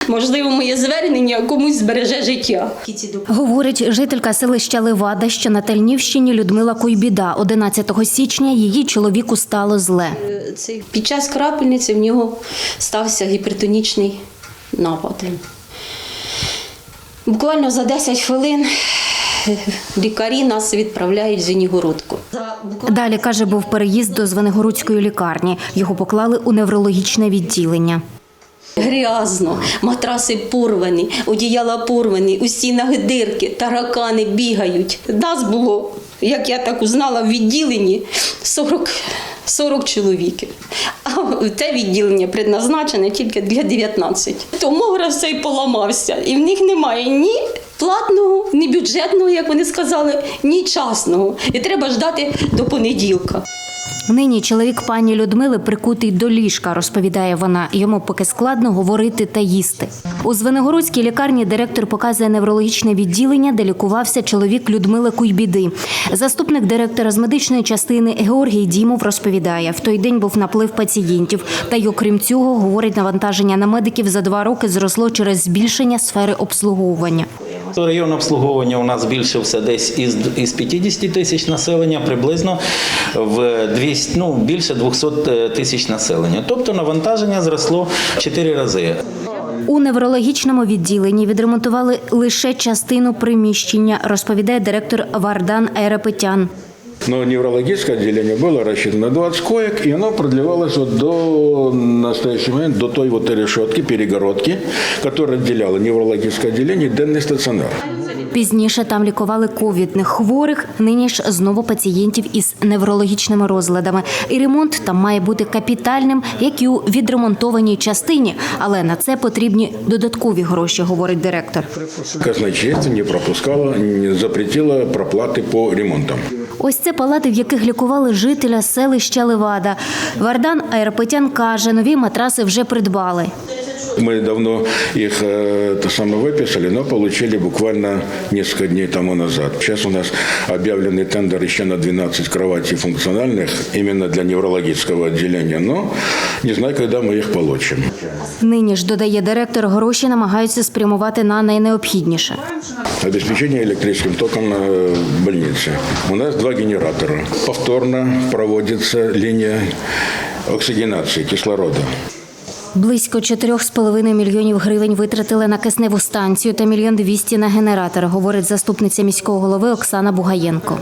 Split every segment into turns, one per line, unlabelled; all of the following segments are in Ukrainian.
Можливо, моє звернення комусь збереже життя.
Говорить жителька селища Левада, що на Тальнівщині Людмила Куйбіда. 11 січня її чоловіку стало зле.
Під час крапельниці в нього стався гіпертонічний напад. Буквально за 10 хвилин лікарі нас відправляють в Звенигородку.
Далі, каже, був переїзд до Звенигородської лікарні. Його поклали у неврологічне відділення.
Грязно, матраси порвані, одіяла порвані, у стінах дирки, таракани бігають. Нас було, як я так узнала, в відділенні 40 чоловіків. А це відділення предназначене тільки для 19. Томограф цей поламався, і в них немає ні платного, ні бюджетного, як вони сказали, ні частного. І треба ждати до понеділка.
Нині чоловік пані Людмили прикутий до ліжка, розповідає вона. Йому поки складно говорити та їсти. У Звенигородській лікарні директор показує неврологічне відділення, де лікувався чоловік Людмили Куйбіди. Заступник директора з медичної частини Георгій Дімов розповідає, в той день був наплив пацієнтів. Та й окрім цього, говорить, навантаження на медиків за 2 роки зросло через збільшення сфери обслуговування.
Район обслуговування у нас збільшився десь із 50 тисяч населення приблизно в більше 200 тисяч населення. Тобто навантаження зросло 4 рази.
У неврологічному відділенні відремонтували лише частину приміщення, розповідає директор Вардан Айрапетян.
Но неврологическое отделение было рассчитано на 20 коек, и оно продлевалось до настоящего момента, до той решетки, перегородки, которая отделяла неврологическое отделение и денный стационар.
Пізніше там лікували ковідних хворих, нині ж знову пацієнтів із неврологічними розладами. І ремонт там має бути капітальним, як і у відремонтованій частині. Але на це потрібні додаткові гроші, говорить директор.
Казначейство не пропускало, не запретило проплати по ремонтам.
Ось це палати, в яких лікували жителя селища Левада. Вардан Айрапетян каже, нові матраси вже придбали.
Мы давно их выписали, но получили буквально несколько дней тому назад. Сейчас у нас объявленный тендер еще на 12 кроватей функциональных, именно для неврологического отделения, но не знаю, когда мы их получим.
Нині ж, додає директор, гроші намагаються спрямувати на найнеобхідніше.
Обеспечение электрическим током в больнице. У нас 2 генератора. Повторно проводится линия оксигенации кислорода.
Близько 4,5 мільйонів гривень витратили на кисневу станцію та 1 200 000 на генератор, говорить заступниця міського голови Оксана Бугаєнко.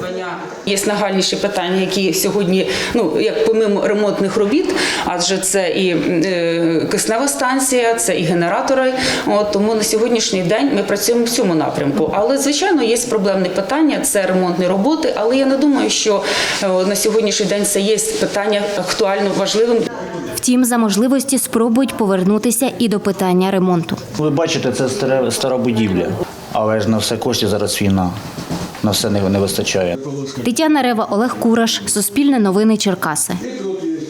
Є нагальніші питання, які сьогодні, як помимо ремонтних робіт, адже це і киснева станція, це і генератори. Тому на сьогоднішній день ми працюємо в цьому напрямку. Але, звичайно, є проблемні питання, це ремонтні роботи, але я не думаю, що на сьогоднішній день це є питання актуально важливим.
Втім, за можливості спробують повернутися і до питання ремонту.
Ви бачите, це стара будівля, але ж на все коштів зараз війна, на все не вистачає.
Тетяна Рева, Олег Кураш, Суспільне новини, Черкаси.